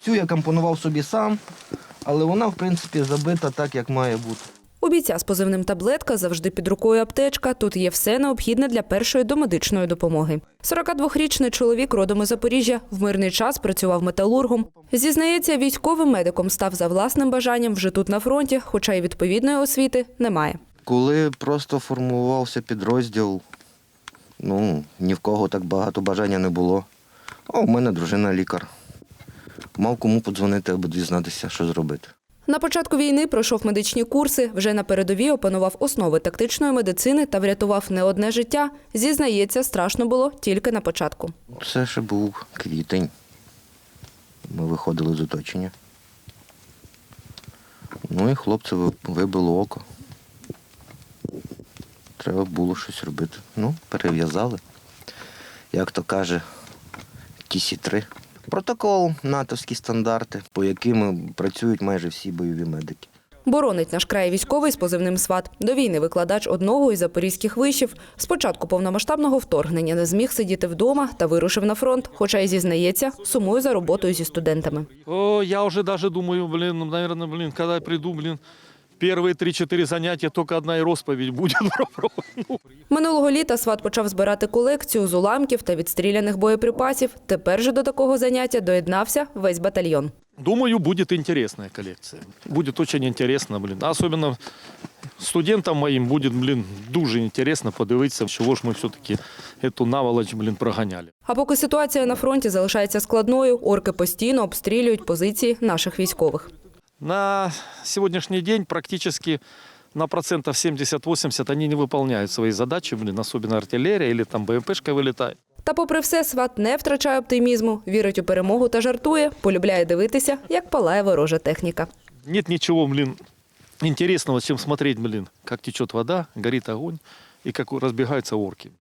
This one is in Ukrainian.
Цю я компонував собі сам, але вона, в принципі, забита так, як має бути. У бійця з позивним «Таблетка» завжди під рукою аптечка. Тут є все необхідне для першої домедичної допомоги. 42-річний чоловік родом із Запоріжжя в мирний час працював металургом. Зізнається, військовим медиком став за власним бажанням вже тут на фронті, хоча й відповідної освіти немає. Коли просто формувався підрозділ, ні в кого так багато бажання не було. А у мене дружина лікар. Мав кому подзвонити, аби дізнатися, що зробити. На початку війни пройшов медичні курси, вже на передовій опанував основи тактичної медицини та врятував не одне життя. Зізнається, страшно було тільки на початку. Це ще був квітень. Ми виходили з оточення. І хлопці вибило око. Треба було щось робити. Перев'язали. Як то каже, TC3. Протокол, натовські стандарти, по яким працюють майже всі бойові медики. Боронить наш край військовий з позивним «Сват». До війни викладач одного із запорізьких вишів. З початку повномасштабного вторгнення не зміг сидіти вдома та вирушив на фронт, хоча й зізнається, сумує за роботою зі студентами. Я вже навіть думаю, мабуть, коли я прийду, перші 3-4 заняття тільки одна розповідь буде. Минулого літа «Сват» почав збирати колекцію з уламків та відстріляних боєприпасів. Тепер же до такого заняття доєднався весь батальйон. Думаю, буде цікава колекція. Буде дуже цікаво, Особливо студентам моїм буде, дуже цікаво подивитися, чого ж ми все-таки цю наволоч, проганяли. А поки ситуація на фронті залишається складною, орки постійно обстрілюють позиції наших військових. На сегодняшний день практически на 70-80% они не выполняют свои задачи, особенно артиллерия или там БМПшка вылетает. Та попри все, «Сват» не втрачає оптимізму, вірить у перемогу та жартує, полюбляє дивитися, як палає ворожа техніка. Нет ничего, интересного, чем смотреть, как течет вода, горит огонь и как разбегаются орки.